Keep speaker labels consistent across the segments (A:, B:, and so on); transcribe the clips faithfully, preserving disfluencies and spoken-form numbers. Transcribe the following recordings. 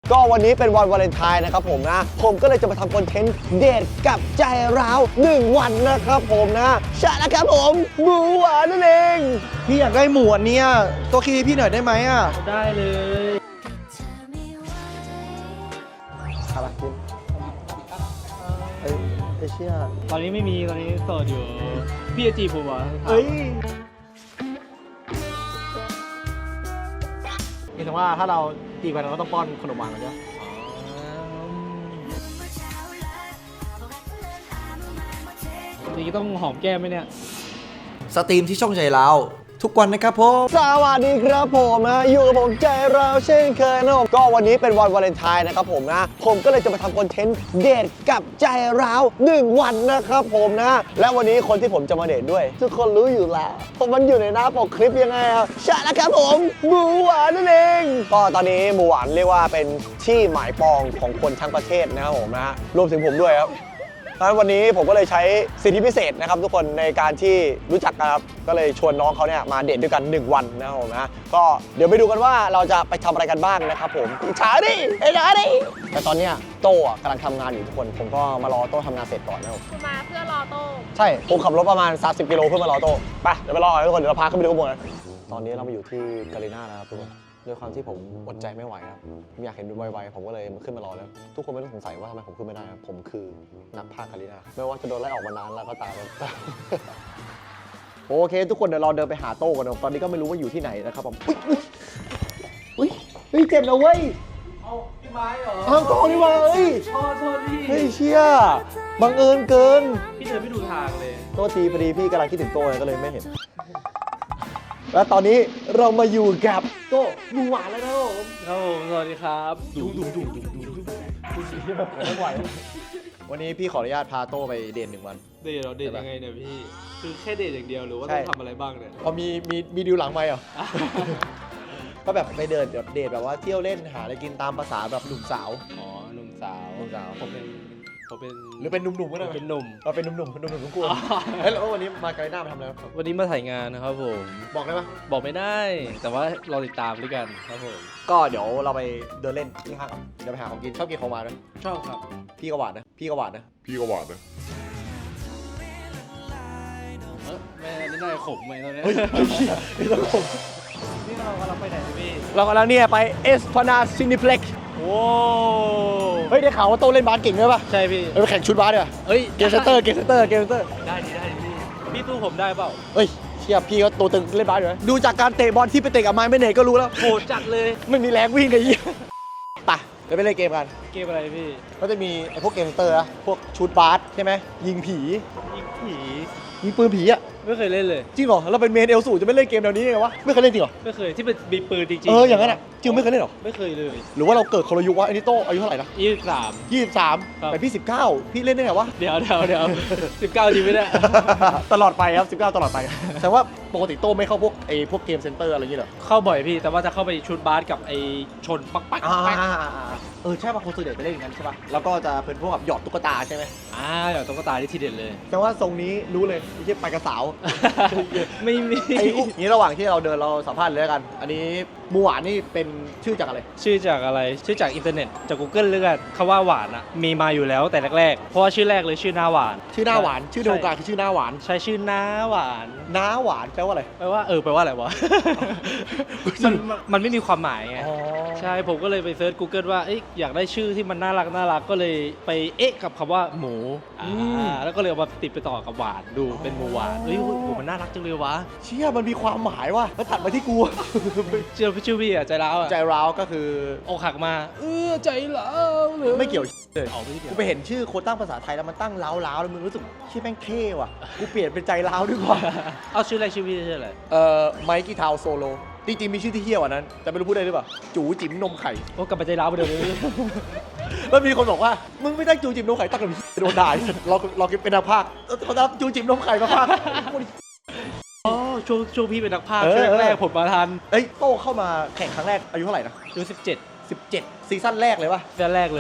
A: ก็วันนี้เป็นวันวาเลนไทน์นะครับผมนะผมก็เลยจะมาทำคอนเทนต์เดทกับใจร้าวหนึ่งวันนะครับผมนะใช่แล้วครับผมหมูหวานนั่นเองพี่อยากได้หมูอันเนี้ยตัวคีพี่หน่อยได้ไหมอ่ะ
B: ได้เลย
A: อะไรกินเอ้ยไอ้เชี่ย
B: ตอนนี้ไม่มีตอนนี้โสดอยู่พี่จะจีบผมเหรอ
A: เอ้ยนี่ถึงว่าถ้าเราจีบกันเราก็ต้องป้อนขนมหวานกันใช่ไหม
B: จริงๆต้องหอมแก้มไหมเนี่ย
C: สตรีมที่ช่องใจเราทุกวันนะครับผม
A: สวัสดีครับผมนะอยู่กับผมใจเราเช่นเคยนะผมก็วันนี้เป็นวันวาเลนไทน์นะครับผมนะผมก็เลยจะมาทำคอนเทนต์เดทกับใจเราหนึ่งวันนะครับผมนะและวันนี้คนที่ผมจะมาเดทด้วยทุกคนรู้อยู่แล้วผมมันอยู่ในหน้าปกคลิปยังไงครับใช่แล้วครับผมหมูหวานนั่นเองก็ตอนนี้หมูหวานเรียกว่าเป็นที่หมายปองของคนทั้งประเทศนะครับผมนะรวมถึงผมด้วยครับดังนั้นวันนี้ผมก็เลยใช้สิทธิพิเศษนะครับทุกคนในการที่รู้จักกันครับก็เลยชวนน้องเขาเนี่ยมาเดทด้วยกันหนึ่งวันนะครับผมนะก็เดี๋ยวไปดูกันว่าเราจะไปทำอะไรกันบ้างนะครับผมช้าดิไอ้ช้าดิแต่ตอนเนี้ยโต้กำลังทำงานอยู่ทุกคนผมก็มารอโต้ทำงานเสร็จก่อนนะครับ
D: คือมาเพื่อรอโต้
A: ใช่ผมขับรถประมาณสามสิบกิโลเพื่อมารอโต้ไปเดี๋ยวไปรอทุกคนเดี๋ยวเราพาขึ้นไปดูข้างบนนะตอนนี้เรามาอยู่ที่กาลิน่านะครับทุกคนด้วยความที่ผมอดใจไม่ไหวครับผมอยากเห็นดูไวๆผมก็เลยมาขึ้นมารอแล้วทุกคนไม่ต้องสงสัยว่าทำไมผมขึ้นไม่ได้ครับผมคือนักพากย์กาลิน่าไม่ว่าจะโดนไล่ออกมานานแล้วก็ตามโอเคทุกคนเดี๋ยวเราเดินไปหาโต้กันนะตอนนี้ก็ไม่รู้ว่าอยู่ที่ไหนนะครับผมอุ้ยอุ้ยเจ็บนะเว้ย
B: เอาพี่ไม้เหรอ
A: อ้าวโต้นี่ว่าเอ้ย
B: โทษโทษพี่
A: เฮ้ยเชี่ยบังเอิญเกิน
B: พี่เดินไม่ดูทางเลย
A: โต้ทีพอดีพี่กำลังคิดถึงโต้ก็เลยไม่เห็นและตอนนี้เรามาอยู่กับโต้หมูหวานแล้วนะผม
B: ครับผมสวัสดีครับ
A: ดุดุดุดุดุดุดุที่แบบไม่ไหววันนี้พี่ขออนุญาตพาโต้ไปเดทหนึ่งวัน
B: เดทเราเดทยังไงเนี่ยพี่คือแค่เดทอย่างเดียวหรือว่าต้องทำอะไรบ้างเนี่ย
A: พอมีมีมีดิวหลังไหมเหรอก็แบบไปเดินแบบเดทแบบว่าเที่ยวเล่นหาอะไรกินตามภาษาแบบหนุ่มสาว
B: อ๋อหนุ่มสาว
A: หนุ่มสาว
B: ผมเป็นผมเป็น
A: หรือเป็นหนุ่มๆก็ได้
B: เป็นหนุ่ม
A: เราเป็นหนุ่มๆหนุ่มๆทุกคนเฮ้ยแล้ววันนี้มาไกลหน้ามาทำอะไรครับ
B: วันนี้มาถ่ายงานนะครับผม
A: บอกได้ไหม
B: บอกไม่ได้แต่ว่าเราติดตามด้วยกันครับผม
A: ก็เดี๋ยวเราไปเดินเล่นที่ห้างเดี๋ยวไปหาของกินชอบกินของหวานไหม
B: ชอบครับ
A: พี่ก็หวานนะพี่ก็หวานนะ
E: พี่ก็หวานนะ
B: เออแม่นี่น่าจะขมไหมตอนนี้
A: เฮ้ยไม่ต้องขม
B: นี่เรากำลังไปไหนพี่
A: เรากำลังเนี่ยไปเอสพนาซินิเพล็ก
B: โอ้
A: เฮ้ยได้ข่าวว่าโตเล่นบาสเก่งด้วยป่ะ
B: ใช่พี่
A: ไปแข่งชุดบาสเนี่ย
B: เฮ้ย
A: เกมเซนเตอร์เกมเซนเตอร์เกมเซนเตอร์
B: ได้ดีได้ดีพี่ตู้ผมได้เปล่า
A: เฮ้ยเชียพี่ก็โตตึงเล่นบาสอยู่นะดูจากการเตะบอลที่ไปเตะกับไม้ไม่เนตก็รู้แล้ว
B: โหดจัดเลย
A: ไม่มีแรงวิ่งเลยยี่ไปเดี๋ยวไปเล่นเกมกัน
B: เกมอะไรพี่
A: ก็จะมีไอ้พวกเกมเซนเตอร์นะพวกชุดบาสใช่ไหมยิงผี
B: ยิงผี
A: ยิงปืนผีอ่ะ
B: ไม่เคยเล่นเลย
A: จริงเหรอเราเป็นเมนเอลสูจะไม่เล่นเกมแนวนี้ไงวะไม่เคยเล่นจริงเหรอ
B: ไม่เคยที่เป็นมีปืนจริงๆ
A: เอออย่างนั้นอ่ะจริงไม่เคยเล่นหรอ
B: ไม่เคยเลย
A: หรือว่าเราเกิดคนละยุควะอันนี้โตอายุเท่าไหร่นะ
B: ยี่สิบสาม
A: ยี่สิบสามแต่พี่สิบเก้าพี่เล่นได้ไงวะ
B: เดี๋ยวเดี๋ยวเดี๋ยวสิบเก้าจริงไม่ได้
A: ตลอดไปครับสิบเก้าตลอดไปแต่ว่าปกติโตไม่เข้าพวกไอ้พวกเกมเซ็นเตอร์อะไรอย่างเงี้ยหรอ
B: เข้าบ่อยพี่แต่ว่าจะเข้าไปชุดบาสกับไอ้ชนปักปักปัก
A: เออใช่ป่ะคนส่วนใหญ่ไปเล่นอย่างนั้นใช่ป่ะแล้วก็จะเป็นพวกแบบหยอดตุ๊กตาใช่ไหม
B: อ่าหยอดตุ๊กตาที่ทีเด็ดเลย
A: แต่ว่าทรงนี้รู้เลยไม่ใช่ไปกระสาว
B: ไม่มี
A: ไอ้นี้ระหว่างที่เราเดินเราสัมภาษณ์เลยกันอันนี้หมูหวานนี่เป็นชื่อจากอะไร
B: ชื่อจากอะไรชื่อจากอินเทอร์เน็ตจาก Google เลือกคำว่าหวานอ่ะมีมาอยู่แล้วแต่แรกๆเพราะว่าชื่อแรกเลยชื่อหน้าหวาน
A: ชื่อหน้าหวานชื่อในวงการคือชื่อหน้าหวาน
B: ใช่ชื่อหน้าหวาน
A: หน้าหวานแปลว่าอะไร
B: แปลว่าเออแปลว่าอะไรวะมันมันไม่มีความหมายไงใช่ผมก็เลยไปเซิร์ช Google ว่าอยากได้ชื่อที่มันน่ารักน่ารักก็เลยไปเอ๊ะกับคำว่าหมูอ่าแล้วก็เลยเอามาติดไปต่อกับหวานดูเป็นหมูหวานเฮ้ยโหมันน่ารักจังเลยวะ
A: เชี่ยมันมีความหมายว่ะแล้วถัดมาที่กู
B: เชื่อพี่ชื่อพี่อะใจร้าวอะ
A: ใจร้าวก็คือ
B: อกหักมาเออใจร้าวเลย
A: ไม่เกี่ยวเลย
B: ออกไม่เกี่ยว
A: กูไปเห็นชื่อโค้ดตั้งภาษาไทยแล้วมันตั้งร้าวร้าวแล้วมึงรู้สึกชื่อแม่งเท่ว่ะกูเปลี่ยนเป็นใจร้าวดีกว่า
B: เอาชื่ออะไรชื่อพี่ชื่ออะไร
A: เอ่อไมค์กี้ทาวโซโลจริงๆมีชื่อที่เฮี้ยวกว่านั้นแต่ไม่รู้พูดได้หรือเปล่าจูจิ๋มนมไข่
B: โอ้กลับไปใจร้าวไปเดี๋ยวนี้
A: แล้วมีคนบอกว่ามึงไม่ตั้งจูจิ๋มนมไข่ตั้งกับโดนด่าเราเราเป็นนักพากย์เขาตั้งจูจิ๋มนมไข่มาพากย์
B: อ๋อช่วงช่วงพี่เป็นนักพากย์ช่วงแรกผมมาทัน
A: เอ้ยโตเข้ามาแข่งครั้งแรกอายุเท่าไหร่นะ
B: อายุสิบเจ็ด
A: สิบเจ็ดซีซั่นแรกเลยป่ะ
B: ซีซั่นแรกเลย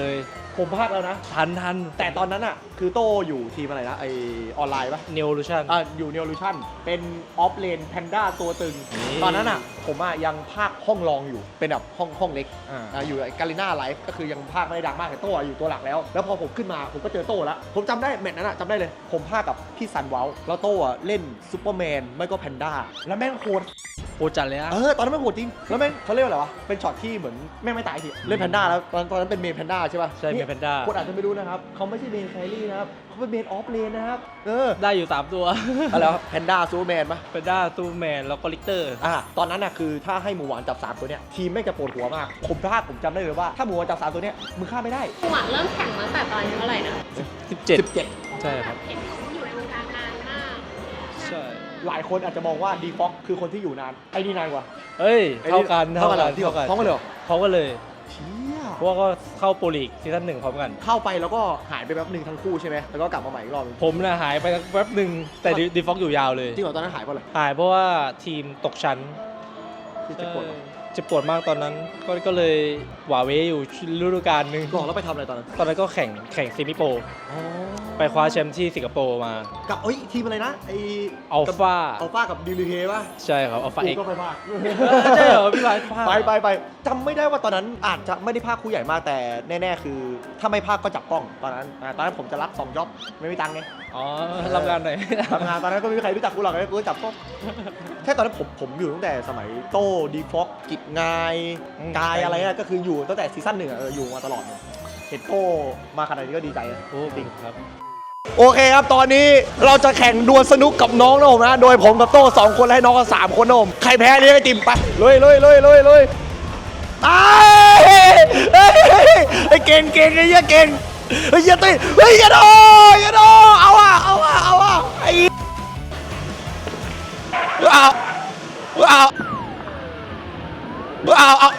D: ผมพากแล้วนะ
B: ทันทัน
D: แต่ตอนนั้นอ่ะคือโต้อยู่ทีมอะไรนะไอออนไลน์ปะ
B: เนวลูชัน
D: อ่าอยู่เน o ลูชั่นเป็นออฟเลนแพนด้าตัวตึง
B: นี่
D: ตอนนั้นอ่ะผมอ่ะยังภาคห้องรองอยู่เป็นแบบห้องห้องเล็ก
B: อ่า
D: อ่าอยู่ไอ้กาลิน่าไลฟ์ก็คือยังภาคไม่ได้ดังมากแต่โต้อะอยู่ตัวหลักแล้ว แล้วพอผมขึ้นมาผมก็เจอโต้แล้ว ผมจำได้แมตช์นั้นอ่ะจำได้เลย ผมภาคกับพี่ซันเวลแล้วโต้อะเล่นซูเปอร์แมนไม่ก็แพนด้าแล้วแม่งโคตร
B: โอจัดเลยอะ
D: เออตอนนั้นแม่งโหดจริงแล้วแม่งเขาเรียกว่าอะไรวะเป็นช็อตที่เหมือนแม่งไม่ตายทีเล่นแพนด้าแล้วตอนตอนนั้นเป็นเมนแพนด้าใช่ป่ะ
B: ใช่เมนแพนด้า
D: คนอาจจะไม่รู้นะครับเขาไม่ใช่เมนแครี่นะครับเขาเป็นเมนออฟเลนนะครับเออ
B: ได้อยู่สามตัว
D: อะไรวะแพนด้าซูเปอร์แมนปะ
B: แพนด้าซูแมนแล้วก็ลิกเตอร์
D: อ่ะตอนนั้นน่ะคือถ้าให้หมูหวานจับสามตัวเนี้ยทีมไม่งจะปวดหัวมาก ผมพลาดผมจำได้เลยว่าถ้าหมูหวานจับสามตัวเนี้ยมึงฆ่าไม่ได้
E: หวังเริ่มแข่งตั้งแต่ตอนอายุเท่าไหร่นะ
B: สิบเจ็ด
D: สิบเจ็ด
B: ใช่ครับ
E: เห็นอยู่ในวงการนานมาก
B: ใช่
D: หลายคนอาจจะมองว่าดีฟ็อกคือคนที่อยู่นานไอ้นี่นานกว่า
B: เอ้ย
D: ไอ้
B: เท่ากัน
D: เท่ากันเหรอ
B: เท่ากัน
D: พร้อมกันเลยเหรอ
B: เขาก็เลย
D: เชี่ย
B: เพราะว่าก็เข้าโปรลีกซีซั่นหนึ่งพร้อมกัน
D: เข้าไปแล้วก็หายไปแป๊บหนึ่งทั้งคู่ใช่ไหมแล้วก็กลับมาใหม่อีกรอบนึง
B: ผมน่ะหายไปแป๊บหนึ่งแต่ดีฟ็อกอยู่ยาวเลย
D: จริงเหรอตอนนั้นหายเพราะอะไร
B: หายเพราะว่าทีมตกชั้น
D: ที่เจ็บปวดเหรอ
B: เจ็บปวดมากตอนนั้น ก็ก็เลยหวาเวอยู่ฤดูกาลหนึ่ง
D: หลอกแล้วไปทำอะไรตอนนั้น
B: ตอนนั้นก็แข่งแข่งซิมิโปร
D: อ๋อ
B: ไปคว้าแชมป์ที่สิงคโปร์มา
D: กับเอ้ยทีมอะไรนะไอ
B: อัลฟา
D: อัลฟากับดิลิเคป่ะ
B: ใช่ครับอัลฟาเอ็ก
D: กูก็ไปภาค
B: ใช่เหรอพี่ไลฟ์
D: ไปไปไปจำไม่ได้ว่าตอนนั้นอาจจะไม่ได้ภาคคู่ใหญ่มากแต่แน่ๆคือ ถ้าไม่ภาคก็จับกล้องตอนนั้นอ่าตอนนั้นผมจะรับสองจ็อบไม่มีตังค์ไง
B: อ๋อรับงานหน่อย
D: ทำงานตอนนั้นก็ไม่มีใครรู้จักกูหรอกเลยกูก็จับกล้องใช่ตอนนั้นผมผมอยู่ตั้งแต่สมัยโต้ดีฟ็อกกิจงาย
B: อืม
D: กายอะไรอะก็คืออยู่ตั้งแต่ซีซั่นหนึ่งอะเอออยู่มาตลอดเลยเห็นโต้มาขนาดนี้ก็ดีใจนะ
B: โอ้จริงครับ
D: โอเคครับตอนนี้เราจะแข่งดวลสนุกกับน้องนะผมนะโดยผมกับโต้สองคนและให้น้องก็สามคนนะผมใครแพ้เลี้ยงไอติมไปเลยเลยเลยเลยเลยไอ้เฮ้ยไอ้เก่งเก่งไอ้เหี้ยเก่งเฮ้ยเหี้ยตีเฮ้ยอย่าโดอย่าโดเอาอะเอาอะเอาอะไอ้เอาเอาเอาเอา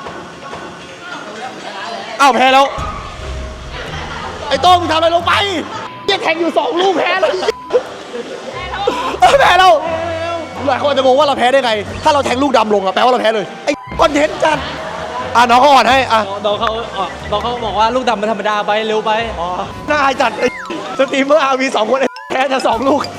D: เอาแพ้แล้วไอ้โต้มึงทำอะไรลงไปเหี้ยแข่งอยู่สองลูกแพ้แล้วเออแพ้แล้วหลายคนอาจจะงงว่าเราแพ้ได้ไง ถ้าเราแทงลูกดำลงอะแปลว่าเราแพ้เลยไอ้คอนเทนต์จัดอ่ะน้องเขาอ่อนให้อ่ะ
B: น้องเขาอ๋อน้องเขาบอกว่าลูกดำมันธรรมดาไปเร็วไป
D: อ๋อน่าอายจัดไอ้สตรีมเมอร์อาร์มีสองคนไอ้แพ้จะสองลูก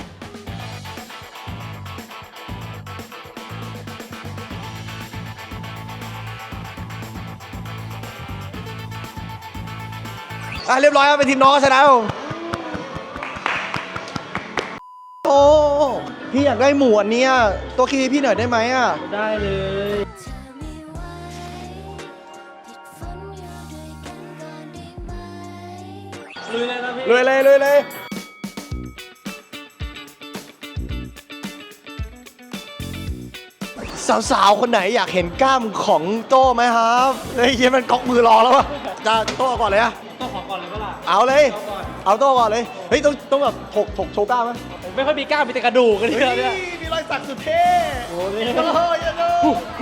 D: อ่ะเรียบร้อยครับเป็นทีมน้องชนะผมโอ้พี่อยากได้หมูอันเนี้ยตัวคีย์พี่หน่อยได้ไหมอ่ะ
B: ได้เลย ลุยเลยนะพี่
D: เลยเลยเลยเลยสาวๆ คนไหนอยากเห็นกล้ามของโต้ไหมครับเฮ้ยเหี้ยมันก๊อกมือรอแล้ววะจะโต้ก่อนเลยอะ
B: ต้องขอก่อนเลยเปล่าล่ะ
D: เอาเลย เอาโต้ก่อนเลย เฮ้ยต้องต้องแบบถกถกโชว์กล้ามไหม
B: ผมไม่ค่อยมีกล้ามมีแต่กระดูกกัน
D: เฮ้
B: เนี่ย
D: ยมีรอยสักสุดเท่
B: โอ้นี่
D: โอ้ยยังไง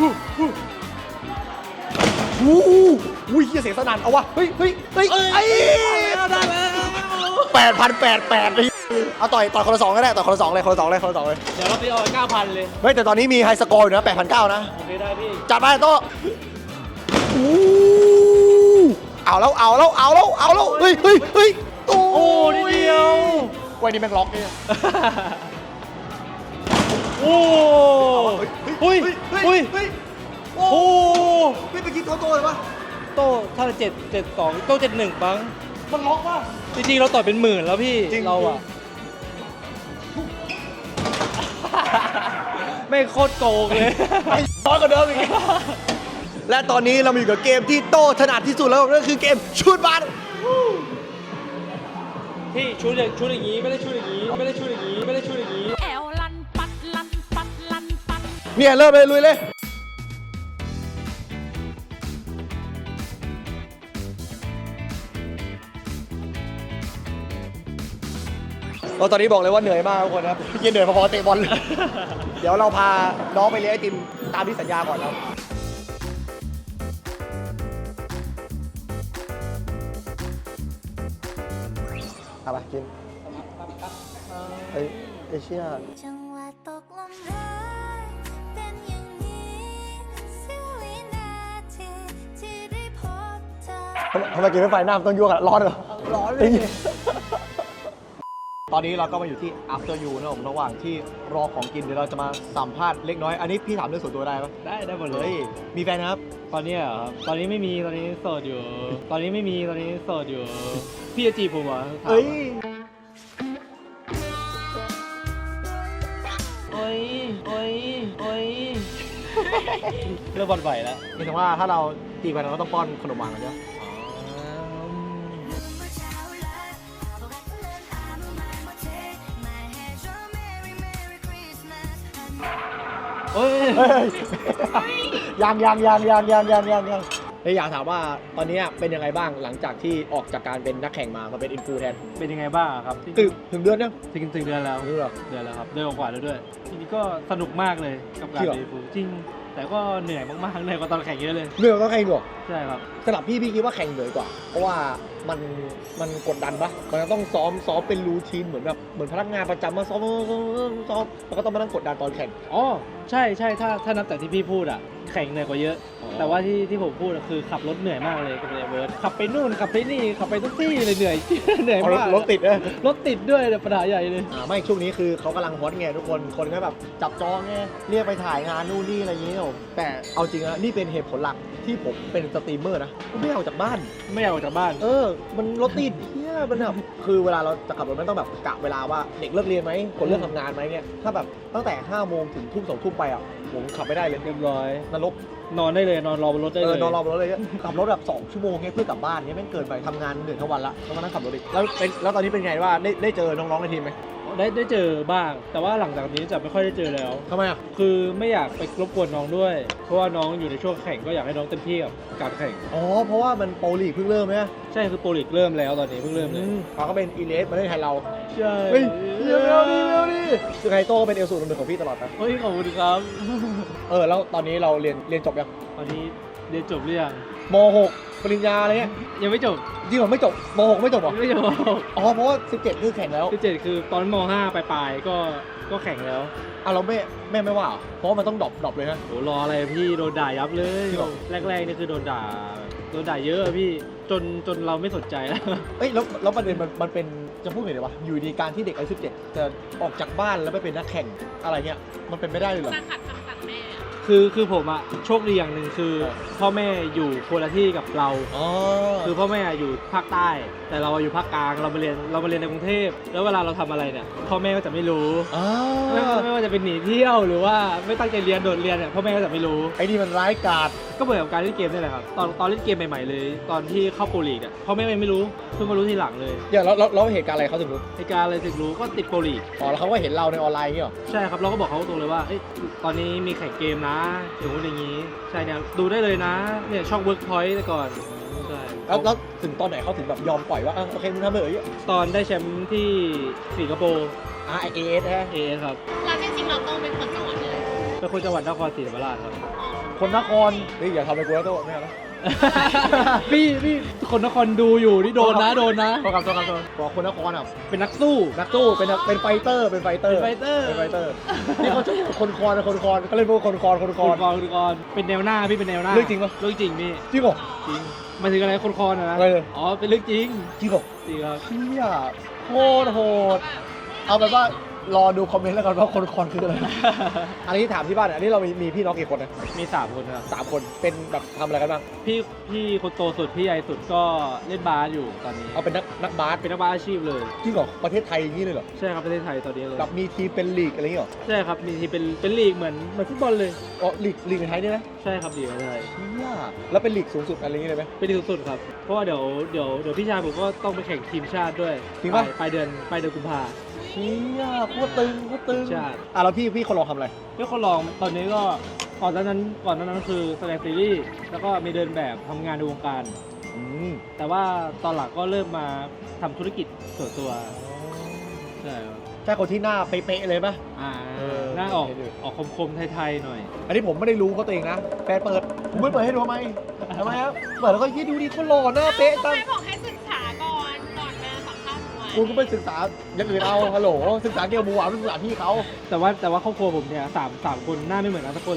D: วู้วู้เฮียเสียงสนั่นเอาวะ เฮ้ยเฮ้ยเฮ้ยไอ้
B: ได้แล้ว
D: แปดพันแปดแปดเลยเอาต่อยต่อยคนละสองก็ได้ต่อยคนละสองเลยคนละสองเลยคนละสองเลย
B: เดี๋ยวเราไปเอาเก้าพันเลย
D: เฮ้ยแต่ตอนนี้มีไฮสกอร์อยู่นะแปดพันเก้านะ
B: โอเคได้พี่
D: จัดไปโต้อู้เอาแล้วเอาแล้วเอาแล้วเอาแล้วเฮ้ยเฮ้ยเฮ้ยโอ้
B: โอ้นิดเดียว
D: วันนี้แม่งล็อกเนี่ย
B: โอ้หุ้ยหุ้ย
D: เฮ้ย
B: โอ้
D: เฮ้ยไปคิดโตโต้เลยปะ
B: โต้ถ้าเจ็ดเจ็ดสองโต้เจ็ดหนึ่งปัง
D: มันล็อกปะ
B: จริงๆเราต่อยเป็นหมื่นแล้วพี่
D: จริง
B: เราอะไม่โคตรโกงเลย
D: ไอ้น้อยกว่าเดิมอีกและตอนนี้เรามาอยู่กับเกมที่โต้ถนัดที่สุดแล้วนั่นคือเกมชูดบาส
B: พี่ชุดอย่างชุดอย่างนี้ไม่ได้ชุดอย่างนี้ไม่ได้ชุดอย่างนี้ไม่ได้ชุดอย่างนี้
E: แอวลันปัดลันปัดลันปัด
D: เนี่ยเริ่มเลยลุยเลยเราตอนนี้บอกเลยว่าเหนื่อยมากทุกคนครับพี่เหนื่อยพอๆเตะบอลเลย เดี๋ยวเราพาน้องไปเลี้ยงไอติมตามที่สัญญาก่อนครับเอาไปกินเฮ้ยไอเชี่ย
F: จังหวะตกลมรักเป็นอย่างนี้เสี้ยววินาทีที่ได้พบเธอ
D: ทำไมกินไม่ไฟหน้ามันต้องยั่วกันร้อนเหรอร้อนเลยตอนนี้เราก็มาอยู่ที่ after you นะผมระหว่างที่รอของกินเดี๋ยวเราจะมาสัมภาษณ์เล็กน้อยอันนี้พี่ถามเรื่องส่วนตัวได้ปะ
B: ได้ได้หมดเล
D: เฮ้
B: ย
D: ยมีแฟนนะครับ
B: ตอนนี้เหรอครับตอนนี้ไม่มีตอนนี้โสดอยู่ ตอนนี้ไม่มีตอนนี้โสดอยู่ พี่จะจีบผมเหรอถาม
D: เอ้ย
B: โอ้ยโอ้ยโอ้ยเริ่มบอลไหวแล้ว
D: นี่ถึงว่าถ้าเราจีบกันเราก็ต้องป้อนขนมหวานกันใช่ไหม
B: โอ้ย
D: เฮ้ยยังยังยังยังยังยังยังยังเฮ้ยอยากถามว่าตอนนี้เป็นยังไงบ้างหลังจากที่ออกจากการเป็นนักแข่งมามาเป็นอินฟูแทน
B: เป็นยังไงบ้างครับ
D: ตึกถึงเดือนยัง
B: ถึงถึงเดือนแล้ว
D: รู้หรอ
B: เดือนแล้วครับเดือนกว่าแล้วด้วยทีนี้ก็สนุกมากเลยกับการ
D: จริงเหรอ
B: เดฟูจริง แต่ก็เหนื่อยมากๆเหนื่อยกว่าตอนแข่งเยอะเลย
D: เรื่องต้องแข่งด้วย
B: ใช่ครับ
D: สำหรับพี่พี่คิดว่าแข่งเหนื่อยกว่า เพราะว่ามันมันกดดันปะมันจะต้องซ้อมซ้อมเป็นรูทีนเหมือนแบบเหมือนพนักงานประจำมาซ้อมซ้อมซ้อมซ้อมแล้วก็ต้องมานั่งกดดันตอนแข่ง
B: อ๋อใช่ใช่ถ้าถ้านับจากที่พี่พูดอ่ะแข่งเหนื่อยกว่าเยอะ
D: อ๋อ
B: แต่ว่าที่ที่ผมพูดอะคือขับรถเหนื่อยมากเลยกับเวิร์ดขับไปนู่นขับไปนี่ขับไปทุกที่เลยเหนื่อย เหนื่อย
D: เอารถ
B: มาก
D: รถติดเลย
B: รถติดด้วยเนี่ยปัญหาใหญ่เลย
D: อ่าไม่ช่วงนี้คือเขากำลังฮอตไงทุกคนคนก็แบบจับจองไงเรียกไปถ่ายงานนู่นนี่อะไรอย่างเงี้ยผมแต่เอาจริงนะนี่เป็นเหตุผลหลักที่ผมเป็นสตรีมเมอร์นะผมไม่อยากออกจากบ้าน
B: ไม่อยากออกจากบ้าน
D: เออ มันรถติดเฮียมันแบบ คือเวลาเราจะขับรถมันต้องแบบกะเวลาว่าเด็กเลิกเรียนไหม คนเลิกทำงานไหมเนี่ย ถ้าแบบตั้งแต่ห้าโมงถึงทุ่มสองทุ่มไปอ่ะ ผมขับไม่ได้เลย
B: เรียบร้อย
D: นรก
B: นอนได้เลยนอนรอบนรถได้
D: เอ
B: เล
D: อย นอนรอบนรถเลยเนี่ยขับรถแบบสองชั่วโมงเนี่ยเพื่อกลับบ้านเนี่ยแม่งเกินไปทำงานเหนื่อยทั้งวันละต้องมานั่งขับรถอีกแล้วเป็นแล้วตอนนี้เป็นไงว่าได้ได้เจอน้องๆในทีมไหม
B: ได้ได้เจอบ้าง แต่ว่าหลังจากนี้จะไม่ค่อยได้เจอแล้ว
D: ทำไมอ่ะ
B: คือไม่อยากไปรบกวนน้องด้วย เพราะว่าน้องอยู่ในช่วงแข่งก็อยากให้น้องเต็มที่กับการแข่ง
D: อ๋อ เพราะว่ามันโปรลีกเพิ่งเริ่มไหม
B: ใช่คือโปรลีกเริ่มแล้วตอนนี้เพิ่งเริ่มเลย
D: เขาก็เป็นอีเลสมาเล่นแทนเรา
B: ใช่
D: เฮ้ยเร็วเร็วดิเร็วดิคือไฮโต้ก็เป็นเอลสูตรหนึ่งของพี่ตลอดนะ
B: เฮ้ยขอบคุณครับ
D: เออ แล้วตอนนี้เราเรียนเรียนจบยัง
B: ตอนนี้เรียนจบหรือยัง
D: มหกปริญญาอะไรเงี้ย
B: ยังไม่จบ
D: จริงเหรอไม่จบมหกไม่จบเหรอ
B: ยังไม่จบ
D: อ๋อ เพราะว่าสิบเจ็ดคือแข่งแล้ว
B: ที่เจ็ดคือตอนมห้าปลายๆก็ก็แข่งแล้ว
D: อ่ะเราแม่แม่ไม่ว่าเหรอเพราะว่ามันต้องดรอปดรอปเลยนะ
B: โหรออะไรพี่โดนด่ายับเลย
D: จริงเหรอ
B: แรกๆนี่คือโดนด่าโดนด่าเยอะอะพี่จนจนเราไม่สนใจแล้ว
D: เอ้ยแล้วแล้วประเด็นมันมันเป็นจะพูดไงดีวะอยู่ดีการที่เด็กอายุสิบเจ็ดจะออกจากบ้านแล้วไปเป็นนักแข่งอะไรเงี้ยมันเป็นไม่ได้เลยเหรอ
E: จะขัดคำสั่งแม่อะ
B: คือคือผมอะโชคดีอย่างหนึ่งคือ พ่อแม่อยู่คนละที่กับเรา
D: อ๋อ
B: คือพ่อแม่อยู่ภาคใต้ แต่เราอยู่ภาคกลางเรามาเรียนเรามาเรียนในกรุงเทพแล้วเวลาเราทำอะไรเนี่ยพ่อแม่ก็จะไม่รู้
D: อ๋อ
B: ไม่ว่าไม่ว่าจะเป็นหนีเที่ยวหรือว่าไม่ตั้งใจเรียนโดดเรียนเนี่ยพ่อแม่ก็จะไม่รู้
D: ไอ้นี่มันร้ายกาจ
B: ก็เหมือนกับการเล่นเกมนี่แหละครับตอนตอนเล่นเกมใหม่ๆเลย ตอนที่เข้าโปรลีกอ่ะพ่อแม่ไม่รู้เพิ่งมารู้ทีหลังเลย
D: อย่างแล้วแล้วแล้วเหตุการณ์อะไรเขาถึงรู้
B: ในการอะไรถึงรู้ก็ติดโปรลีก
D: อ๋อแล้วเขาก็เห็นเราในออนไลน์อย่างเงี้ยเหรอ
B: ใช่ครับเราก็บอกเขาตรงเลยว่าเอ้ยตอนนี้มีแข่งเกมนะอย่างนู้นอย่างนี้ใช่เนี่ยดูได้เลยนะเนี่ยช่อง Workpoint แต่ก่อนใช่
D: แล้วแล้วถึงตอนไหนเขาถึงแบบยอมปล่อยว่าอ่ะโอเคมึงทำเลย
B: ตอนได้แชมป์ที่สิงคโปร์
D: อ่ะไอเอสฮะ
B: เอครับ
E: เราจริงๆเราต้องเป็นคนจังหวัดเลย
B: เป็นคนจังหวัดนครศรีธรรมราชครับ
D: คนนครนี่อย่าทำอะไรกูแล้วโต้ไม่เอานะ
B: พี่พี่คนนครดูอยู่นี่โดนนะโดนนะ
D: โทษครับโทษครับโทษบอกคนนครอ่ะ
B: เป็นนักสู้
D: นักสู้เป็นนักเป็นไฟเตอร์เป็นไฟเตอร์
B: เป็นไฟเตอร์
D: เป็นไฟเตอร์นี่เขาชื่อคนคอนนะคนคอนเขาเรียกว่าคนคอนคนค
B: ค
D: อน
B: นกรคนกรเป็นแนวหน้าพี่เป็นแนวหน้า
D: เรื่องจริงปะ
B: เรื่องจริงพี่
D: จริงเหรอ
B: จริงหมายถึงอะไรคนคอนนะนะ
D: อะไรเลย
B: อ๋อเป็นเรื่องจริง
D: จริงเหรอ
B: จริงครับ
D: เชี่ยโคตรโหดเอาแบบว่ารอดูคอมเมนต์แล้วกันว่าคนคอนคืออะไร อันนี้ถามที่บ้านอันนี้เรามีมีพี่น้องกี่คนนะ
B: มีสามคนครับ
D: สามคนเป็นแบบทำอะไรกันบ้าง
B: พี่พี่คนโตสุดพี่ใหญ่สุดก็เล่นบาสอยู่ตอนนี้
D: เอาเป็นนักนักบาส
B: เป็นนักบาสอาชีพเลย
D: จริงเหรอประเทศไทยอย่างนี้เลยเหรอ
B: ใช่ครับประเทศไทยตอนนี้เลย
D: แบบมีทีมเป็นลีกอะไรอย่างนี้เหรอ
B: ใช่ครับมีที่เป็นเป็นลีกเหมือนเหมือนฟุตบอลเลย
D: อ๋อลีกลีกในไทยเนี่ยนะ
B: ใช่ครับลีกในไทย
D: เชี่ยแล้วเป็นลีกสูงสุดอะไรอย่างนี้เลยไหม
B: เป็นลีกสุดครับเพราะว่าเดี๋ยวเดี๋ยวเดี๋ยวพี่ชายผมก็ต้องไปแข่งทีมชาติด้วย
D: จริงปะ
B: ปลายเดือนปลายเดือนกุมภา
D: เชี่ยโคตรตึงโคตรตึง
B: ใช่
D: อ่ะแล้วพี่พี่คนลองทำอะไร
B: เพื่อคนลองตอนนี้ก็ก่อนหน้านั้นก่อนหน้านั้นคือแสดงซีรีส์แล้วก็มีเดินแบบทำงานในวงการ
D: อืม
B: แต่ว่าตอนหลังก็เริ่มมาทำธุรกิจส่วนตัวใช่ครับ
D: ใช่คนที่หน้าเป๊ะๆเลยปะ
B: อ่า
D: เออ
B: หน้าออก
D: เห็นอยู่
B: ออกคมๆไทยๆหน่อย
D: อันนี้ผมไม่ได้รู้เขาตัวเองนะแฟนเปิดผมไม่เปิดให้ดูทำไมทำไมครับเปิดแล้วก็ยี่ดูดีคนหล่อหน้าเป๊ะตั้ง
E: แม่บอกให้ศึกษาก่อนก่อนมาสัมภาษณ์หน่วย
D: กูก็ไปศึกษาอย่างอื่นเอาฮัลโหลศึกษาเกี่ยวกับหมูหวานศึกษาพี่เขา
B: แต่ว่าแต่ว่าครอบครัวผมเนี่ยสามสามคนหน้าไม่เหมือนกันสักคนเลย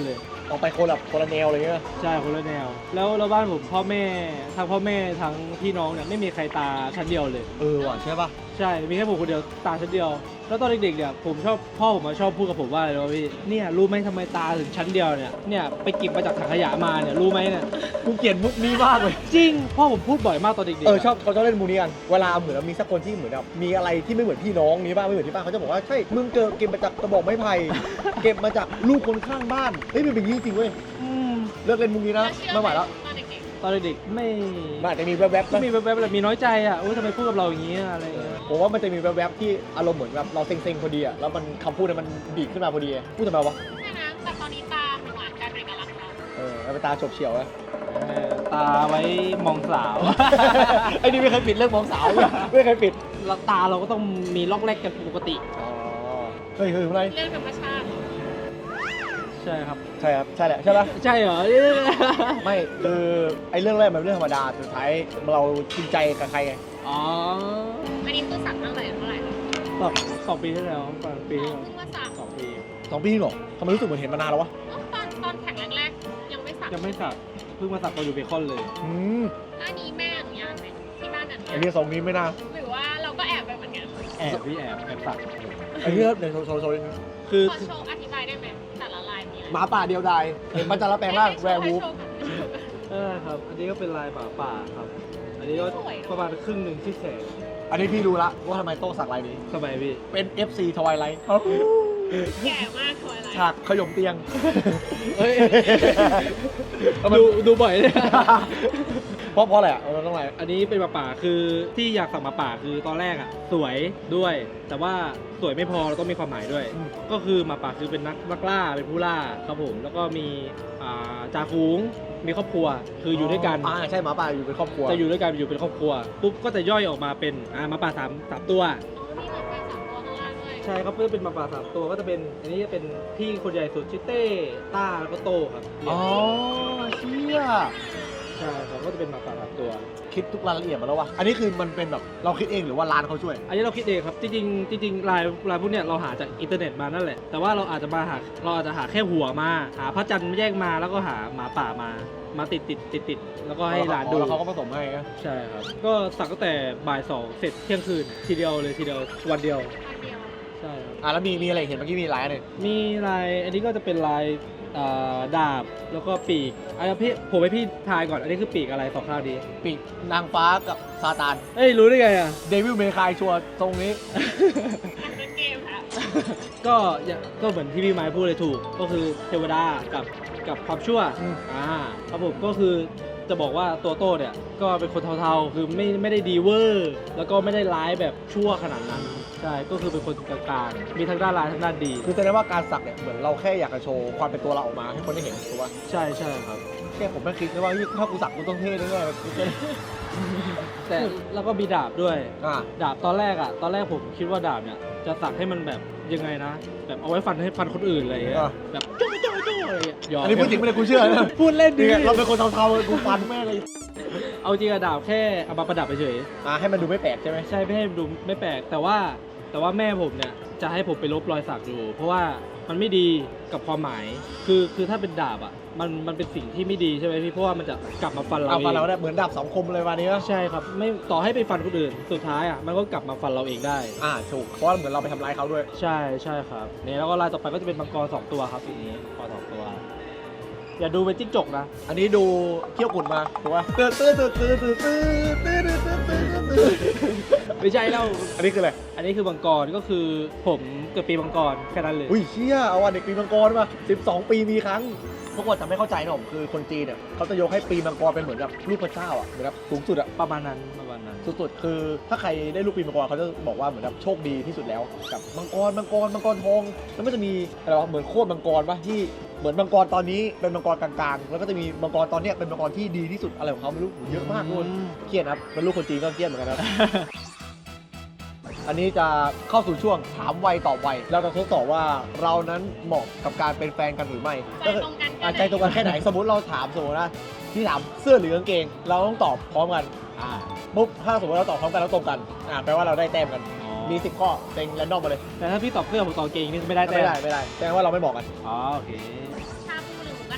D: ออกไปคนละคนละแนวอะไรเงี้ย
B: ใช่คนละแนว แล้วแล้วบ้านผมพ่อแม่ทั้งพ่อแม่ทั้งพี่น้องเนี่ยไม่มีใครตาชั้นเดียวเลย
D: เออว่ะใช่ป่ะ
B: ใช่ มีแค่ผมคนเดียวตาชั้นเดียว แล้วตอนเด็กๆเนี่ยผมชอบพ่อผมมาชอบพูดกับผมว่าอะไรรู้ไหมพี่ เนี่ยรู้ไหมทำไมตาถึงชั้นเดียวเนี่ย เนี่ยไปเก็บมาจากถังขยะมาเนี่ยรู้ไหมเนี่ย
D: กูเกลียดมุกนี้มากเลย
B: จริง พ่อผมพูดบ่อยมากตอนเด็กๆ
D: เออชอบเขาชอบเล่นมูนี้กันเวลาเหมือนมีสักคนที่เหมือนแบบมีอะไรที่ไม่เหมือนพี่น้องนี้บ้างไม่เหมือนที่บ้านเขาจะบอกว่าใช่มึงเจอเก็บมาจากกระบอกไม้ไผ่ เก็บมาจากลูกคนข้างบ้านเฮ้ยมันเป็นอย่างนี้จริงเว้ย
B: อืม
D: เลิกเล่นมุกนี้นะไม่ไหวแล้ว
E: ตอนเด็ก
B: ตอนเด็กๆไม่
D: มันอาจจะมีแวบๆ
B: ก็
D: นะ
B: มีแวบๆแบบมีน้อยใจอ่ะโอ้ยทำไมพูดกับเราอย่างนี้อะอะไรอย่างเงี้ย
D: ผมว่ามันจะมีแวบๆที่อารมณ์เหมือนแบบเราเซ็งๆพอดีอะแล้วมันคำพูดเนี่ยมันดีดขึ้นมาพอดีพูดทำไมวะ
E: ๆใช่ไหมแต่ตอนนี้ตาหวานกลายเป็นเอกลักษณ์แล้ว
D: เออแล้วเป็นตาฉบเฉียวนะ
B: เออตาไว้มองสาว
D: ไอ้นี่ไม่เคยปิดเรื่องมองสาวเลยไม่เคยปิด
B: แล้วตาเราก็ต้องมีล็อกแรกกันปกติ
D: อ๋อเฮ้ยเฮ้ยอะไร
E: เรื่องธรรมชาติ
B: ใช่ครับ
D: ใช่ครับใช่แหละใช่ปะ
B: ใช่เหรอ
D: ไม่คือไอ้เรื่องแรกมันเป็นเรื่องธรรมดาสุดท้ายเราจริงใจกับใครไง
B: อ๋อ
E: อันนี้คือสักตั้งแต่เท่าไหร่แล้ว
B: แบบสองปีที่แล้วสองปี
E: อ๋
B: ที่
E: อ
B: แล้ว
E: เพิ่งมาสัก
B: สองปี
D: สองปีหรอทำไมรู้สึกเหมือนเห็นมานานแล้ววะ
E: อ๋อตอนตอนแข่งแรกๆยังไม่สัก
B: ยังไม่สักเพิ่งมาสักตอนอยู่เบคอนเลย
D: อืม
E: อันนี้แม่อนุญาตไหมที่บ้านอนุ
D: ไอ้
E: ญาต
D: เรื่องสองนี้ไม่น่า
E: หรือว่าเราก็แอบไปเหมือนกัน
B: แอบพี่แอบแอบสัก
D: ไอ้เรื่องเดี๋ยวโชว์โชว์โชว์
B: คือ
E: ขอโชว์อธิบายได้ไหมแต่ละลายมีอะไร
D: หมาป่าเดียวดายเห็นมันจะละแปลงร่างแวร์วูฟ
B: เออครับ อันนี้ก็เป็นลายป่าป่าครับ อันนี้ก็ประมาณครึ่งหนึ่งที่แขน
D: อันนี้พี่รู้ละว่าทำไมโต้สักลายนี้
B: สมัยพี่
D: เป็น เอฟ ซี Twilight
E: แก่มากเลยอะไร
D: ฉากขยมเตียง
B: เฮ้ย
D: ทำไม
B: ดูดูบ่อยเลย
D: เพราะเพราะอะไรอ่ะเราต้องอะไร
B: อันนี้เป็นหมาป่าคือที่อยากสั่งหมาป่าคือตอนแรกอ่ะสวยด้วย แต่ว่าสวยไม่พอเราต้องมีความหมายด้วย ก็คือหมาป่าคือเป็นนักนักล่าเป็นผู้ล่าครับผม แล้วก็มีอ่าจ่าฝูงมีครอบครัวคืออยู่ด้วยกัน
D: อ่าใช่หมาป่าอยู่เป็นครอบครัว
B: จะอยู่ด้วยกันอยู่เป็นครอบครัวปุ๊บก็จะย่อยออกมาเป็นอ่าหมาป่าสามสามตัว
E: อ๋อมีแบบเป็นสามตัวข้างล่างด้วย
B: ใช่ครับเพื่อเป็นหมาป่าสามตัวก็จะเป็นอันนี้จะเป็นพี่คนใหญ่สุดชื่อเต้ต้าแล้วก็โตครับ
D: อ๋อเชี่ย
B: ใช่ครับก็จะเป็นหมาป่าสามตัว
D: คิดทุกรายละเอียดมาแล้ววะอันนี้คือมันเป็นแบบเราคิดเองหรือว่าร้านเขาช่วย
B: อันนี้เราคิดเองครับจริงๆจริงๆลายลายพวกเนี้ยเราหาจากอินเทอร์เน็ตมานั่นแหละแต่ว่าเราอาจจะมาหาเราอาจจะหาแค่หัวมาหาพระจันทร์แยกมาแล้วก็หาหมาป่ามามาติดติดติดติดแล้วก็ให้ร้านดู
D: แล้วเขาก็ผสมให้นะ
B: ใช่ครับก็สักตั้งแต่บ่ายสองเสร็จเที่ยงคืนทีเดียวเลยทีเดียววันเดียว
E: อันเดียว
B: ใช่ครับ
D: อ่ะแล้วมีมีอะไรเห็นเมื่อกี้มีลายอะไร
B: มีลายอันนี้ก็จะเป็นลายอ่าดาบแล้วก็ปีกอันนี้พี่ผมให้พี่ทายก่อนอันนี้คือปีกอะไรสองข้างดี
D: ปีกนางฟ้ากับซาตาน
B: เอ้ยรู้ได้ไงอ่ะ
D: เดวิลเมคายชัวร์ตรงนี้
E: อันเป็นเกมค่ะ
B: ก็อย่างก็เหมือนที่พี่ไม้พูดเลยถูก ก็คือเทวดากับกับความชั่ว
D: อืม
B: อ่าครับผมก็คือจะบอกว่าตัวโต้เนี่ยก็เป็นคนเทาๆคือไม่ไม่ได้ดีเวอร์แล้วก็ไม่ได้ร้ายแบบชั่วขนาดนั้นใช่ก็คือเป็นคนกลางๆมีทั้งด้านร้ายทั้งด้านดี
D: คือแสดงว่าการสักเนี่ยเหมือนเราแค่อยากจะโชว์ความเป็นตัวเราออกมาให้คนได้เห็นถูกป่ะ
B: ใช่ใช่ครับ
D: แค่ผมไม่คิดนะว่าเฮ้ยถ้ากูสักกูต้องเท่แน่ๆกูจะ
B: แต่แล้วก็มีดาบด้วย
D: อ่า
B: ดาบตอนแรกอ่ะ ตอนแรกผมคิดว่าดาบเนี่ยจะสักให้มันแบบยังไงนะ แบบเอาไว้ฟันให้ฟันคนอื่นอะไรอย่างเงี้ย
D: อ่ะ
B: แบบโจ้โจ้โจ้อะไรอย่างเงี้ยหยอก
D: อันนี้พูดจริงไม่ได้กูเชื่อนะ
B: พูดเล่นดิ
D: เนี่ยเราเป็นคนเทาๆกูฟันแม่งเลย
B: เอาจริงอะดาบแค่เอามาประดับเฉย
D: อ่าให้มันดูไม่แปลกใช่ไหม
B: ๆใช่ไม่ให้ดูไม่แปลกแต่ว่าแต่ว่าแม่ผมเนี่ยจะให้ผมไปลบรอยสักอยู่ เพราะว่ามันไม่ดีกับความหมาย คือคือถ้าเป็นดาบอ่ะมันมันเป็นสิ่งที่ไม่ดีใช่ไหมพี่เพราะว่ามันจะกลับมาฟันเรา
D: เอา
B: เอ
D: ฟันเรา
B: ง
D: เนี่ยเหมือนดาบสองคมเลยวันนี้นะ
B: ใช่ครับไม่ต่อให้ไปฟันคนอื่นสุดท้ายอ่ะมันก็กลับมาฟันเราเองได้
D: อ่าถูกเพราะว่าเหมือนเราไปทำร้ายเขาด้วย
B: ใช่ใช่ครับเนี่ยแล้วก็ลายต่อไปก็จะเป็นมังกรสองตัวครับสีนี้มังกรสองตัว อย่าดูเป็นจิ้งจกนะ
D: อันนี้ดูเขี้ยวกุดมาถูกป่ะตื้อตื้อตื้อตื้อตื้อตื้อตื้อตื้อตื้อตื้อ
B: ไม่ใช่แล้ว
D: อันนี้คืออะไร
B: อันนี้คือมังกรก็คือผมเกิดปีมังกรแค่นั้นเลย
D: อุ้ยเชี่ยเอาวันเด็กปีมังกรมาสิบสองปีมีครั้งพวกคนจะไม่เข้าใจนะผมคือคนจีนเนี่ยเขาจะยกให้ปีมังกรเป็นเหมือนแบบลูกพระเจ้าอ่ะเหมือนแบบสูงสุดอ่ะ
B: ประมาณนั้นประมาณนั้น
D: สุดๆคือถ้าใครได้ลูกปีมังกรเขาจะบอกว่าเหมือนแบบโชคดีที่สุดแล้วกับมังกรมังกรมังกรทองแล้วมันจะมีอะไรวะเหมือนโคตรมังกรป่ะที่เหมือนมังกรตอนนี้เป็นมังกรกลางๆ แล้วก็จะมีมังกรตอนเนี้ยเป็นมังกรที่ดีที่สุดอะไรของเขาไม่รู้เยอะมากเลยเครียดครับเป็นลูกคนจีนก็เครียดเหมือนกันนะ อันนี้จะเข้าสู่ช่วงถามไวตอบไวเราจะทดสอบว่าเรานั้นเหมาะกับการเป็นแฟนกันหรือไม่
E: ใจตรงกัน
D: อ่ะ
E: แค่ไหน
D: ใจตรงกันแค่ไหน สมมติเราถามสมมตินะที่ถามเสื้อหรือกางเกง เราต้องตอบพร้อมกันอ่าปุ๊บถ้าสมมติเราตอบพร้อมกันแล้วตรงกันอ่าแปลว่าเราได้แต้มกัน มีสิบข้อเต็งแรนดอมมาเลย
B: แต่ถ้าพี่ตอบเสื้อผมตอบเกงนี่ไม่ได้แต่
D: ไม่ได้ไม่ได้แสดงว่าเราไม่บอกกัน
B: อ๋อโอเค
E: ชาบูหรือหมูกระทะ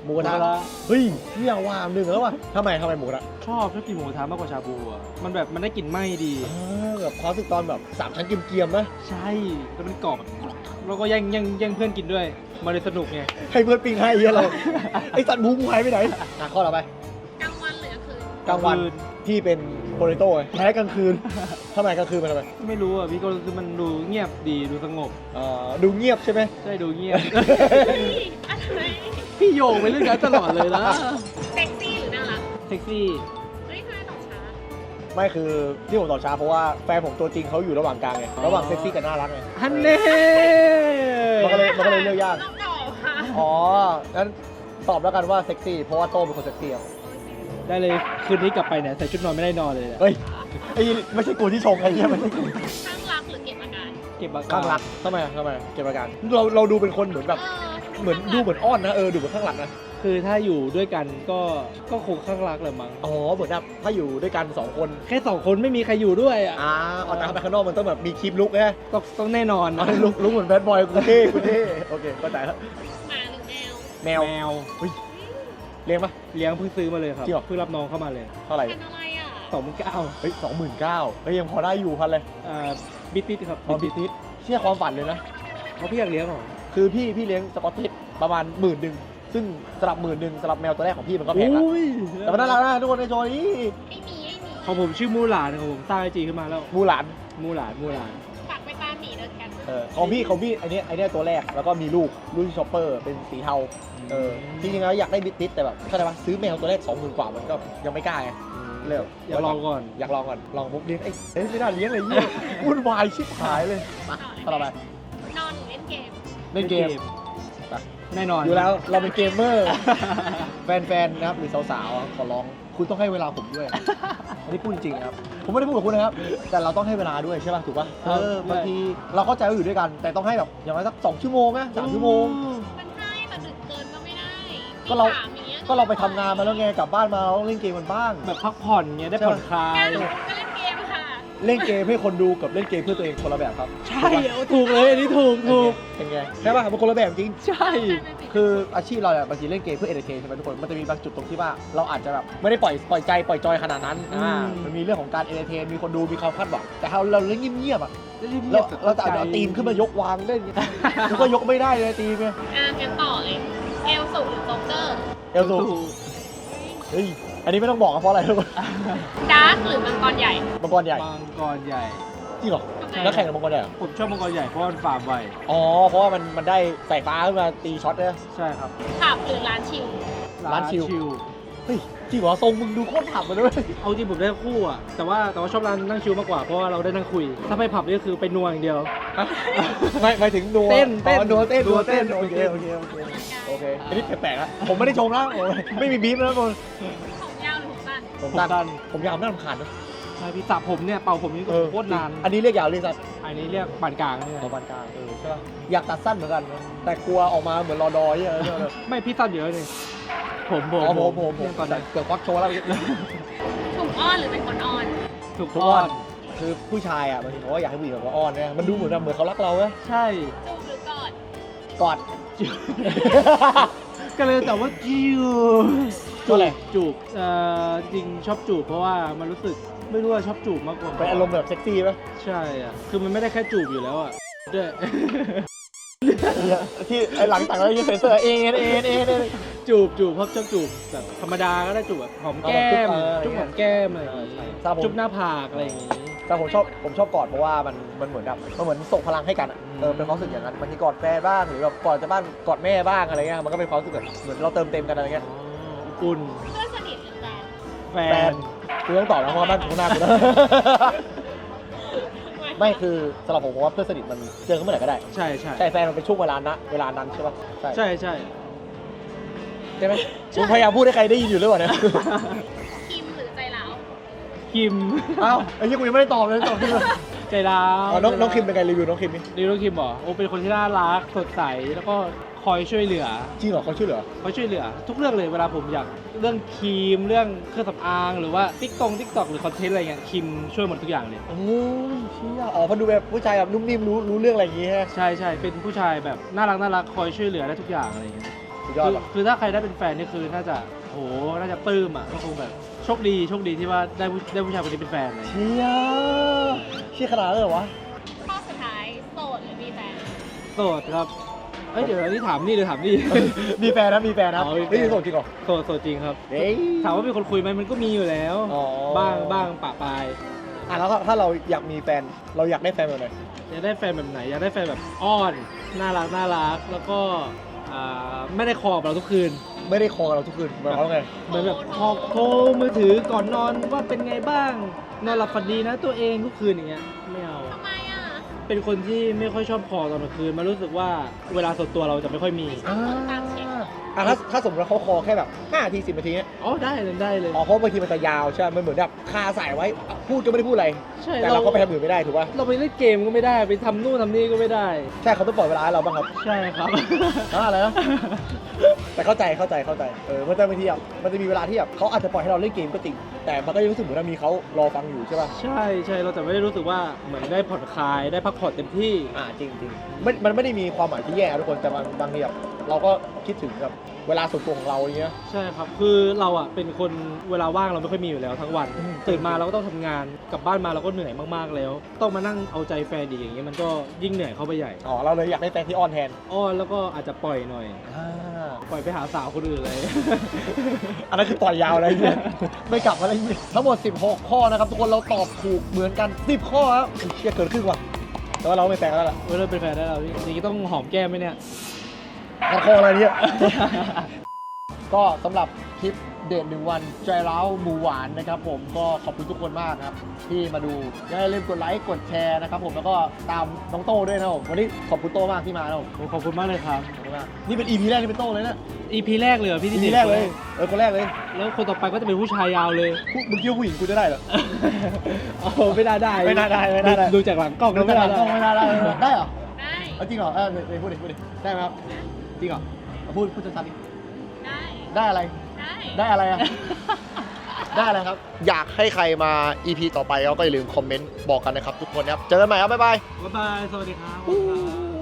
D: หมูกระทะ
B: หมูกระทะ
D: เฮ้ยเนี่ยว่าหนึ่งแล้วว่ะทำไมทำไมหมูกระทะ
B: ชอบชอบกินหมูกระทะมากกว่าชาบูอ่ะมันแบบมันได้กลิ่นไหม้ดี
D: เออแบบความรู้สึกตอนแบบสามชั้นเกรียมๆนะ
B: ใช่แล้วมันกรอบแล้วก็แย่งแย่งแย่งเพื่อนกินด้วยมันเลยสนุกไง
D: ให้เพื่อนปิ้งให้เหี้ยเรา ไอ้สัตว์หมูกูหายไปไหนอ่ะข้อต่อไป
E: กลางวันหรือกลางคืน
D: กลางวันพี่เป็นโปเตโต้ไงแพ้กลางคืนทำไมกลางคืนมันทำไม
B: ไม่รู้อ่ะพี่ก็คือมันดูเงียบดีดูสงบ
D: เอ่อดูเงียบใช่ไหม
B: ใช่ดูเงียบ
E: เฮ้ยอะไร
B: พี่โยงไปเรื่องนั้นตลอดเลยนะ
E: เซ็กซี่หรือน่ารัก
B: เซ็กซี่
E: เฮ้ยทำไมตอบช้า
D: ไม่คือที่ผมตอบช้าเพราะว่าแฟนผมตัวจริงเขาอยู่ระหว่างกลางไงระหว่างเซ็กซี่กับน่ารักไง
B: ฮันเน่
D: มันก็เลยมันก็เลยเลือกยาก
E: ต้องตอบค่ะ
D: อ๋องั้นตอบแล้วกันว่าเซ็กซี่เพราะว่าโต้เป็นคนเซ็กซี่ครับ
B: ได้เลยคืนนี้กลับไปเนี่ยใส่ชุดนอนไม่ได้นอนเลยอะ
D: เฮ้ยไอ้ไม่ใช่กูที่ชงไอ้เหี้ยไม่ใช่กู
E: ข้างรักหรือเก็บอาการ
B: เก็บอาการ
D: ข้างรักทำไมอะทำไมเก็บอาการเราเราดูเป็นคนเหมือนแบบ
E: เออ
D: เหมือนดูเหมือนอ้อนนะเออดูเหมือนข้างหลังนะ
B: คือถ้าอยู่ด้วยกันก็ก็คงข้างรักแหละมั้ง
D: อ๋อเหมือนแบบถ้าอยู่ด้วยกันสองคน
B: แค่สองคนไม่มีใครอยู่ด้วยอ่ะ
D: อ่าเอาแต่ไปข้างนอกมันต้องแบบมีคลิปลุกนะ
B: ต้องต้องแน่นอน
D: อ๋อลุกลุกเหมือนแบดบอยกูเท่กูเท่โอเคเข้าใจแล้ว
E: หมาหรือแมว
D: แมว
B: แมว
D: เลี้ยงปะ
B: เลี้ยงเพิ่งซื้อมาเลยครับ
D: จริงเหรอ
B: เพิ่งรับน้องเข้ามาเลย
D: เท่าไหร่
E: พันธุ์อะไรอ่ะ
B: สองหมื่นเก้า
D: เฮ้ยสองหมื่นเก้าเฮ้ยยังพอได้อยู่พันเลย
B: อ่าบิตติสครับ
D: อ๋อบิทิสเชื่อความฝันเลยนะ
B: เขาพี่อยากเลี้ยงเหรอ
D: คือพี่พี่เลี้ยงสกอตติชประมาณหมื่นหนึ่งซึ่งสำหรับหมื่นหนึ่งสำหรับแมวตัวแรกของพี่มันก็แพงแล้ว
B: อุ้ย
D: แต่มันน่ารักนะทุกคนในโชว์นี้
E: ไอ้หมีไอ้หมี
B: ของผมชื่อมูหลานของผมสร้างไอจีขึ้นมาแล้ว
D: มูหลาน
B: มูหลานมูหลาน
E: ฝากไปตามหมีเดินกัน
D: เออของพี่ของพี่ไอเนี้ยไอเนี้ยตัวแรกแล้วก็มีลูกลูกชอปเปอร์เป็นสีเทาเออจริงๆแล้วอยากได้บิทติสแต่แบบเข้าใจปะซื้อแมวตัวแรกสองหมื่นกว่ามันก็ยังไม่กล้าไงเลย
B: อยากลองก่อน
D: อยากลองก่อนลองปุ๊บเลี้ยงเอ้ยเอ้ยไม่น่าเลี้ยงเลยเยี่ยวุ่นวายชิบหายเลยมาต่อไป
E: นอนหรือเล่นเกม
D: เล่นเกม ไป
B: แน่นอน
D: อยู่แล้วเราเป็นเกมเมอร์ แฟนๆนะครับหรือสาวๆขอร้องคุณต้องให้เวลาผมด้วย อันนี้พูดจริงๆครับผมไม่ได้พูดกับคุณนะครับ แต่เราต้องให้เวลาด้วยใช่ป่ะถูกป่ะเออบางทีเราเข้าใจว่าอยู่ด้วยกัน แต่ต้องให้แบบอย่างน้อยสักสองชั่วโมงนะสามชั่วโมง
E: มันให้แต่ดึกเกินก็ไม่ได้
D: ก็เรา
E: สามอย่างงี้ย
D: ก็เราไปทำงานมาแล้วไงกลับบ้านมาเราต้องเล่นเกมกันบ้าง
B: แบบพักผ่อนเงี้ยได้ผ่อนคลาย
E: งานหนูก็เล่นเกมค่ะ
D: เล่นเกมให้คนดูกับเล่นเกมเพื่อตัวเองคนละแบบครับ
B: ใช่เอาถูกเลยอันนี้ถูกถูก
D: เป็นไงใช่ป่ะมันคนละแบบจริง
B: ใช่
D: คืออาชีพเราเนี่ยบางทีเล่นเกมเพื่อเอนเตอร์เทนใช่ไหมทุกคน มันจะมีบางจุดตรงที่ว่าเราอาจจะแบบไม่ได้ปล่อยปล่อยใจปล่อยจอยขนาดนั้นอ่ามันมีเรื่องของการเอนเตอร์เทน มีคนดู มีความคาดหวัง แต่ถ้าเราเล่นเงียบๆอ่ะเราเราจะอาจจะเอาตีมขึ้นมายกวางเล่นกูก็ยกไม่ได้เลยตีมเนี่ย
E: อ่ะงั้นต่อเลย เอลสูหรือโจ๊กเกอร์
D: เอลซูเฮ้ย อันนี้ไม่ต้องบอกอะเพราะอะไรทุกคน
E: ดาร์กหรือมังกรใหญ่
D: มังกรใหญ่
B: มังกรใหญ่
D: จริงเหรอ
E: ทำไม
D: นักแข่งกับมังกรใหญ่เหรอ
B: ผมชอบมังกรใหญ่เพราะว่ามันฟาร์มไว
D: อ๋อ เพราะว่ามันมันได้สายฟ้าขึ้นมาตีช็อตเนี่ย
B: ใช่ครับ
E: ผับหรือร้านชิล
D: ร้านชิล
B: ชิล
D: เฮ้ย จริงเหรอ ทรงมึงดูโคตรผับเลยด้วย
B: เอาจริงผมได้คู่อ่ะแต่ว่าแต่ว่าชอบร้านนั่งชิลมากกว่าเพราะว่าเราได้นั่งคุย ถ้าไปผับนี่ก็คือไปนัวอย่างเดียว
D: ไม่ไม่ถึงนัว
B: เต้นเต้น
D: อ๋อนัวเต้น
B: นัวเต้น
D: โอเคโอเคโอเคโอเคอันนี้แปลกๆนะผมไม่ได้ชมนะผมไม่มีบีฟนะทุกคน
E: ผมยาวหรือผมสั้น
D: ผม
B: ผม
D: ตัน
B: ตัน
D: ผมยาวน่ารำคาญนะ
B: ใช่พี่สระผมเนี่ยเป่าผมนี่ก็โคตรนาน
D: อันนี้เรียกยาวเรียกสั้น
B: อันนี้เรียกปานกลางเนี่ย
D: ของปานกลางเออใช่ป่ะอยากตัดสั้นเหมือนกันนะแต่กลัวออกมาเหมือนรอดอยเยอะเลย
B: ไม่พี่สั้นเยอะเลยผมผม
D: อ๋อผมผมผม
B: เนี่ยก่อน
D: แต่เกือบควักโชว์แล้ว
E: ถูกอ้อนหรือเป็นคนอ้อน
B: ถูก
D: ทุก
B: อ้อ
D: วัน นคือผู้ชายอ่ะบางทีเขาก็อยากให้ผู้หญิงแบบว่าอ้อนเนี่ยมันดูเหมือนแบบเหมือนเขารักเราเว้ย
B: ใช่
E: จูบหรือกอด
D: กอด
B: ก็เลยแต่ว่าจิว
D: ก็เลย
B: จูบเอ่อจริงชอบจูบเพราะว่ามันรู้สึกไม่รู้ว่าชอบจูบมากกว่า
D: เป็นอารมณ์แบบเซ็กซี่ป่ะ
B: ใช่อ่ะคือมันไม่ได้แค่จูบอยู่แล้วอ่ะด้วย
D: ที่ไอ้หลังต่างแล้วยังเซ็นเซอร์เอ็นเอ็นเอ็นเอ็น
B: จูบจูบเพราะชอบจูบแบบธรรมดาก็ได้จูบแบบหอมแก้ม
D: เออ
B: จุ๊บหอมแก้มอะไรอย่าง
D: เออ
B: งี้
D: ใช่ครับผม
B: จุ๊บหน้าผากอะไรอย่างงี้
D: แต่ผมชอบผมชอบกอดเพราะว่ามันมันเหมือนแบบมันเหมือนส่งพลังให้กันอะเออเป็นความรู้สึกอย่างนั้นบางทีกอดแฟนบ้างหรือแบบกอดจะบ้านกอดแม่บ้างอะไรเงี้ยมันก็เป็นความรู้สึกแบบเหมือนเราเติมเต็มกันอะไรเงี้ย
B: อุ่น
E: เพื่อนสนิทหรือแฟน
B: แฟ
D: แฟ
B: น
D: นคือต้องตอบนะเพราะว่าบ้านข้างหน้ากูนะ ไม่คือสำหรับผมผมว่าเพื่อนสนิทมันเจอกันเมื่อไหร่ก็ได้
B: ใช่ใช่
D: ใช่แฟนมันเป็นช่วงเวลานะเวลานั้นใช่ปะใช่
B: ใช่ใช่
D: ใช่ไหมผมพยายามพูดให้ใครได้ยินอยู่หรือเปล่าเนี่ย
E: คิมหรือใจร้าว
B: คิม
D: อ้าวไอ้ยี่กูยังไม่ได้ตอบเลยตอบที่เลย
B: ใจร้าว
D: อ๋อน้องน้องคิมเป็นไงรีวิวน้องคิมนี่
B: รีวิวคิมเหรอโอ้เป็นคนที่น่ารักสดใสแล้วก็คอยช่วยเหลือ
D: จริงเหรอเขาช่วยเหลือ
B: เขาช่วยเหลือ ทุกเรื่องเลยเวลาผมอยากเรื่องครีมเรื่องเครื่องสำอางหรือว่าติ๊กตงติ๊กตอกหรือคอนเทนต์อะไรเงี้ยคิมช่วยหมดทุกอย่างเลย
D: โอ้ยเชี่ยอ๋อเพอดูแบบผู้ชายแบบนุ่มนิ่มรู้รู้เรื่องอะไรอย่างงี้ฮะ
B: ใช่ใช่เป็นผู้ชายแบบน่ารักน่ารักคอยช่วยเหลือได้ทุกอย่างอะไรเงี้ย
D: สุดยอด
B: คือ
D: ว่ะ
B: คือถ้าใครได้เป็นแฟนนี่คือน่าจะโหน่าจะปลื้มอ่ะก็คงแบบโชคดีโชคดีที่ว่าได้ผู้ได้ผู้ชายคนนี้เป็นแฟนเลย
D: เชี่ยเชี่ยขนาดนั้นเลยเหรอวะ
E: ข้อสุดท้ายโสดหรือมีแฟน
B: โสดครับเอ้ยเดี๋ยวอันนี้ถามนี่หรือถามนี่
D: มีแฟนนะมีแฟนนะ
B: อ๋อมีแฟน
D: ไม่ได้โสดจริงเหรอ
B: โสดโสดจริงครับ
D: เฮ้ย
B: ถามว่ามีคนคุยไหมมันก็มีอยู่แล้ว
D: อ๋อ
B: บ้างบ้างปะปาย
D: อ่ะแล้วถ้าเราอยากมีแฟนเราอยากได้แฟนแบบไหน
B: อยากได้แฟนแบบไหนอยากได้แฟนแบบอ้อนน่ารักน่ารักแล้วก็อ่าไม่ได้คอกับเราทุกคืน
D: ไม่ได้คอกับเราทุกคืนหมายความว่าไง
B: เหมือนแบบพอโทรมือถือก่อนนอนว่าเป็นไงบ้างนอนหลับฝันดีนะตัวเองทุกคืนอย่างเงี้ยไม่เอา
E: ทำไมอ่ะ
B: เป็นคนที่ไม่ค่อยชอบคอตอนกลางคืนมันรู้สึกว่าเวลาส่วนตัวเราจะไม่ค่อยมี
D: อ่าอ่ะถ้าถ้าสมมติว่าเขาคอแค่แบบห้านาทีสิบนาทีเนี้ย
B: อ๋อได้เลยได้เลย
D: อ๋อเพราะบางทีมันจะยาวใช่ไหมมันเหมือนแบบคาสายไว้อ่ะพูดก็ไม่ได้พูดอะไร
B: ใช่
D: แต่เราก็ไปทำอื่นไม่ได้ถูกป่ะ
B: เราไปเล่นเกมก็ไม่ได้ไปทำนู่นทำนี่ก็ไม่ได้
D: ใช่เขาต้องปล่อยเวลาให้เราบ้างครับ
B: ใช่ครับ
D: อ่าอะไรนะ แต่เข้าใจเข้าใจเข้าใจเออมันจะบางทีอ่ะมันจะมีเวลาที่แบบเขาอาจจะปล่อยให้เราเล่นเกมก็จริงแต่มันก็ยังรู้สึกเหมือนว่ามีเขารอฟังอยู่ใช่ป่ะ
B: ใช่ใช่เราแต่ไม่ได้รู้สึกว่าเหมือนได้ผ่อนคลายได้พักผ่อนเต็มที่
D: อ่าจริงจริงมันมันไม่ได้มีความหมายที่แย่ทุกคนแต่บางบางทีแบบเราก็คิดถึงแบบเวลาส่วนตัวของเราอย่างเงี้ย
B: ใช่ครับ คือเราอ่ะเป็นคนเวลาว่างเราไม่ค่อยมีอยู่แล้วทั้งวัน
D: อืม
B: ตื่นมาเราก็ต้องทำงาน กลับบ้านมาเราก็เหนื่อยมากๆแล้ว ต้องมานั่งเอาใจแฟนอีกอย่างเงี้ยมันก็ยิ่งเหนื่อยเข้าไปใหญ่
D: อ๋อเราเลยอยากได้แฟนที่อ้อนแทน
B: อ้อนแล้วก็อาจจะปล่อยหน่อย
D: อ่า
B: ปล่อยไปหาสาวคนอื่นเลย
D: อันนั้นคือต่อยยาวเลยเนี่ย ไม่กลับมาอะไรเงี้ยทั้งหมดสิบหกข้อนะครับทุกคนเราตอบถูกเหมือนกันสิบข้อครับเชี่ยเกินครึ่งว่ะแต่ว่าเราไม่แฟนกันแล้วล่ะ
B: เว้ยเราเป็นแฟนได้แล้วพี่อย่างนี้ต้องหอมแก้มไหมเนี่ย
D: งั้นข้ออะไรเนี่ย ก็สำหรับคลิปเดทหนึ่งวันใจร้าวหมูหวานนะครับผมก็ขอบคุณทุกคนมากครับที่มาดูอย่าลืมกดไลค์กดแชร์นะครับผมแล้วก็ตามน้องโต้ด้วยนะครับผมวันนี้ขอบคุณโต้มากที่มานะครับผม
B: โอ้ขอบคุณมากเลยครับ
D: ขอบคุณมากนี่เป็น อี พี แรกที่เป็นโต้เลยนะ
B: อี พี แรกเลยเหรอพี่
D: อี
B: ที่
D: พี
B: ด็
D: แรกเลยเออคนแรกเลย
B: แล้วคนต่อไปก็จะเป็นผู้ชายยาวเลย
D: ผู้มึงคิดว่าผู้หญิงกูจะได้เหรอ
B: โอ้ไม่น่าได้
D: ไม่น่าได้ไม่น่าได้
B: ดูจากหลังกล้อง
D: ไม่
B: แล้ว
D: ได้
B: ไม่น่าได้
D: ไม่ได้ได้เหรอ
E: ได้
D: เอาจริงเหรอเออเดี๋ยวพูดดิพูดดิได้ไหมครับจริงเหรอเอาพูดพูดชัดๆดิ
E: ได้
D: ได้อะไร
E: ได้
D: ได้อะไรอะ ได้อะไรครับ อยากให้ใครมา อี พี ต่อไปก็อย่าลืมคอมเมนต์บอกกันนะครับทุกคนนะครับ เจอกันใหม่ครับ บ๊ายบาย
B: บ๊ายบาย สวัสดีครับ